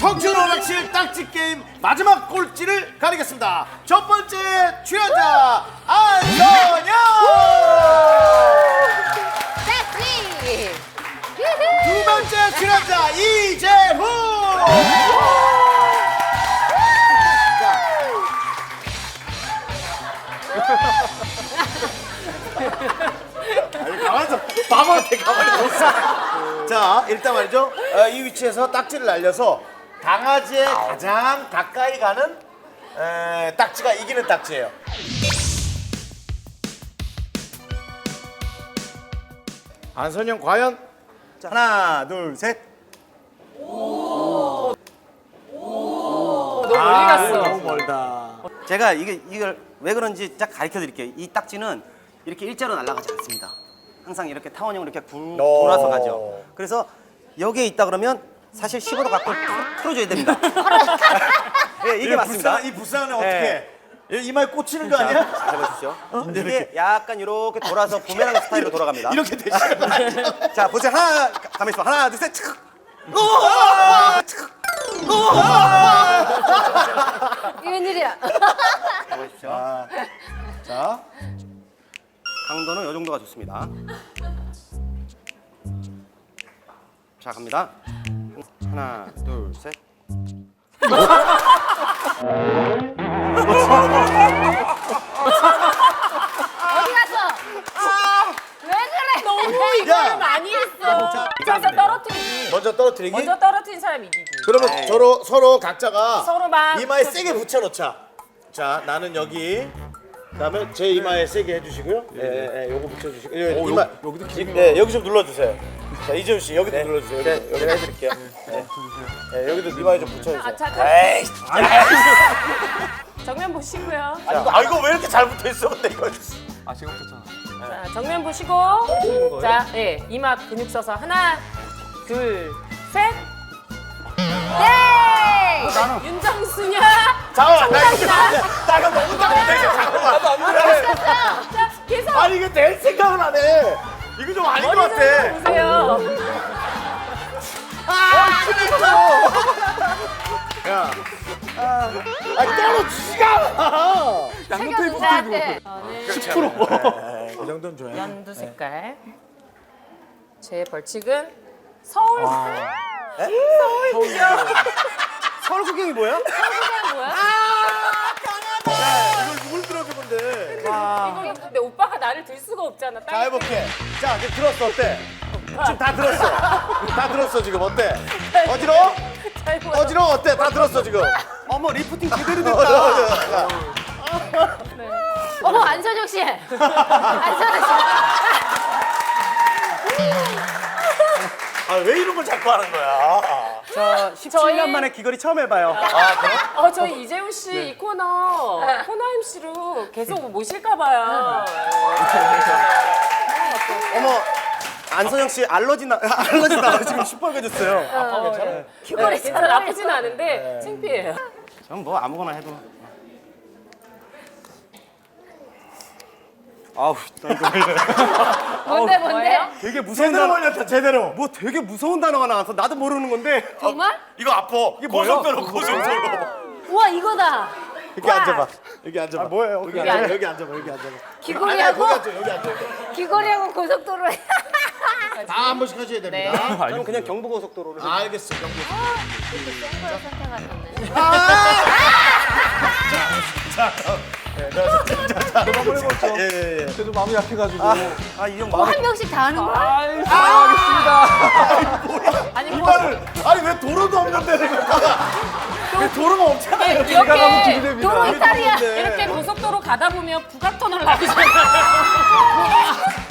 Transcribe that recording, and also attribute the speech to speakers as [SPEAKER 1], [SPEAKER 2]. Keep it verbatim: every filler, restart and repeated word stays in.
[SPEAKER 1] 청춘오락실 딱지 게임 마지막 꼴찌를 가리겠습니다. 첫 번째 출연자 안선영.
[SPEAKER 2] 딱지.
[SPEAKER 1] 두 번째 출연자 이재후. 아니, 가만있어. 바보한테 가만히 있어. 자, 일단 말이죠. 어, 이 위치에서 딱지를 날려서 강아지에 가장 가까이 가는 에, 딱지가 이기는 딱지예요. 안선영 과연? 자, 하나, 둘, 셋.
[SPEAKER 3] 너무 멀리 갔어.
[SPEAKER 1] 너무 멀다.
[SPEAKER 4] 제가 이게 이걸 왜 그런지 딱 가르쳐 드릴게요. 이 딱지는 이렇게 일자로 날아가지 않습니다. 항상 이렇게 타원형으로 이렇게 굴,
[SPEAKER 1] 오.
[SPEAKER 4] 돌아서 가죠. 그래서 여기에 있다 그러면 사실 십오 도 각도를 틀- 틀어줘야 됩니다. 예, 이게 맞습니다.
[SPEAKER 1] 불쌍한, 이 불쌍한 애
[SPEAKER 4] 네.
[SPEAKER 1] 어떻게? 이마에 꽂히는 거 아니야?
[SPEAKER 4] 잘 보십시오. 이게 약간 이렇게 돌아서 부메랑 스타일로 돌아갑니다.
[SPEAKER 1] 이렇게 되시는 거 아니야?
[SPEAKER 4] 자, 보세요. 하나, 가만히 있어. 하나, 둘, 셋. 칙.
[SPEAKER 2] 이게 웬일이야?
[SPEAKER 4] 보십시오.
[SPEAKER 1] 자,
[SPEAKER 4] 강도는 이 정도가 좋습니다. 자, 갑니다. 하나, 둘, 셋.
[SPEAKER 2] 어디 갔어? 왜 그래?
[SPEAKER 3] 너무 이걸
[SPEAKER 1] 야.
[SPEAKER 3] 많이 했어. 그래서 떨어뜨리기.
[SPEAKER 1] 먼저 떨어뜨리기.
[SPEAKER 3] 먼저 떨어뜨린 사람이 이기기.
[SPEAKER 1] 그러면
[SPEAKER 4] 에이.
[SPEAKER 1] 서로 서로 각자가
[SPEAKER 3] 서로 막
[SPEAKER 1] 이마에 세게 붙여놓자. 자, 나는 여기. 그다음에 제 이마에 세게 해주시고요. 예, 예, 예, 요거 붙여주시고. 예, 이마 여기도 기, 예, 여기 좀 눌러주세요. 자, 이재훈 씨 여기도 눌러주세요. 여기, 여기 해드릴게요. 예, 예, 여기도 이마에 좀 붙여주세요.
[SPEAKER 3] 아, 잠깐.
[SPEAKER 1] 에이,
[SPEAKER 3] 정면 보시고요.
[SPEAKER 1] 아, 이거, 아, 이거 왜 이렇게 잘 붙어있어? 근데 이거.
[SPEAKER 3] 자, 정면 보시고. 자, 예, 이마 근육 써서 하나, 둘, 셋.
[SPEAKER 2] 네!
[SPEAKER 3] 윤정수냐?
[SPEAKER 1] 잠깐만, 나 이거
[SPEAKER 3] 정답이다.
[SPEAKER 1] 나 이거 너무 잘못했어. 잠깐만.
[SPEAKER 3] 자, 계속
[SPEAKER 1] 아니, 이거 낼 생각은 안 해. 이거 좀 아닌 것
[SPEAKER 3] 머리
[SPEAKER 1] 같아.
[SPEAKER 3] 좀 보세요.
[SPEAKER 1] 야. 아니, 떨어지지가 않아.
[SPEAKER 2] 챙겨주셔야 돼.
[SPEAKER 1] 십 퍼센트. 그 정도는 줘야
[SPEAKER 3] 연두 색깔. 제 벌칙은 서울. 서울이요.
[SPEAKER 4] 서울 구경이 뭐야?
[SPEAKER 3] 서울이 뭐야?
[SPEAKER 1] 이걸 누굴 들어줘, 근데.
[SPEAKER 3] 이거 근데 오빠가 나를 들 수가 없잖아.
[SPEAKER 1] 자, 해볼게. 자, 이제 들었어, 어때? 지금 다 들었어. 다 들었어, 지금. 어때? 어지러워?
[SPEAKER 3] 잘 보여.
[SPEAKER 1] 어지러워? 어때? 다 들었어, 지금.
[SPEAKER 4] 어머, 리프팅 제대로
[SPEAKER 1] 어,
[SPEAKER 4] 됐다.
[SPEAKER 1] 어, 어, 어.
[SPEAKER 2] 어머 안선영 씨. 안선영 씨.
[SPEAKER 1] 아, 왜 이런 걸 자꾸 하는 거야?
[SPEAKER 4] 저 십칠 년
[SPEAKER 3] 저희-
[SPEAKER 4] 만에 귀걸이 처음 해봐요.
[SPEAKER 1] 아, 그래?
[SPEAKER 3] 어, 저희 이재훈 씨 이 코너 코너 엠씨로 계속 모실까 봐요.
[SPEAKER 4] 어머, 안선영 씨 알러지 나 알러지 나 지금 시뻘개졌어요.
[SPEAKER 3] 어, 예.
[SPEAKER 2] 귀걸이
[SPEAKER 3] 괜찮아, 나쁘진 않은데 창피해요.
[SPEAKER 4] 전 뭐 아무거나 해도. 아우, 나 이거
[SPEAKER 2] 뭔데 뭔데?
[SPEAKER 3] 뭐예요?
[SPEAKER 4] 되게 무서운
[SPEAKER 1] 제대로
[SPEAKER 4] 단어.
[SPEAKER 1] 걸렸다, 제대로.
[SPEAKER 4] 뭐 되게 무서운 단어가 나와서 나도 모르는 건데.
[SPEAKER 2] 정말?
[SPEAKER 1] 이거 아파. 이게 고속도로, 고속도로.
[SPEAKER 2] 우와 이거다.
[SPEAKER 1] 여기 앉아봐. 여기 앉아봐.
[SPEAKER 4] 아, 뭐예요?
[SPEAKER 1] 여기 앉아봐. 여기 앉아봐. 여기 앉아봐.
[SPEAKER 2] 귀걸이하고
[SPEAKER 1] 아니, 아니, 거기 앉아, 여기 앉아.
[SPEAKER 2] 귀걸이하고 고속도로에.
[SPEAKER 1] 다 한 번씩 하셔야
[SPEAKER 3] 네.
[SPEAKER 1] 됩니다.
[SPEAKER 4] 저는 그냥 경부고속도로를.
[SPEAKER 1] 아, 알겠어, 경비.
[SPEAKER 2] 센 걸 선택하셨네.
[SPEAKER 4] 한번 해보죠.
[SPEAKER 1] 예, 예, 예.
[SPEAKER 5] 그래도 마음이 약해가지고.
[SPEAKER 4] 아, 이 형
[SPEAKER 2] 어,
[SPEAKER 4] 마음.
[SPEAKER 2] 한 명씩 다 하는 거야?
[SPEAKER 5] 아이, 사랑하겠습니다.
[SPEAKER 3] 아니 뭐
[SPEAKER 1] 이마를, 아니, 왜 도로도 없는 데를 갖다가. 왜 도로가 없잖아요.
[SPEAKER 3] 이렇게
[SPEAKER 5] 기대됩니다.
[SPEAKER 2] 도로 이탈이야.
[SPEAKER 3] 이렇게 고속도로 가다 보면 북악터널 나오잖아요.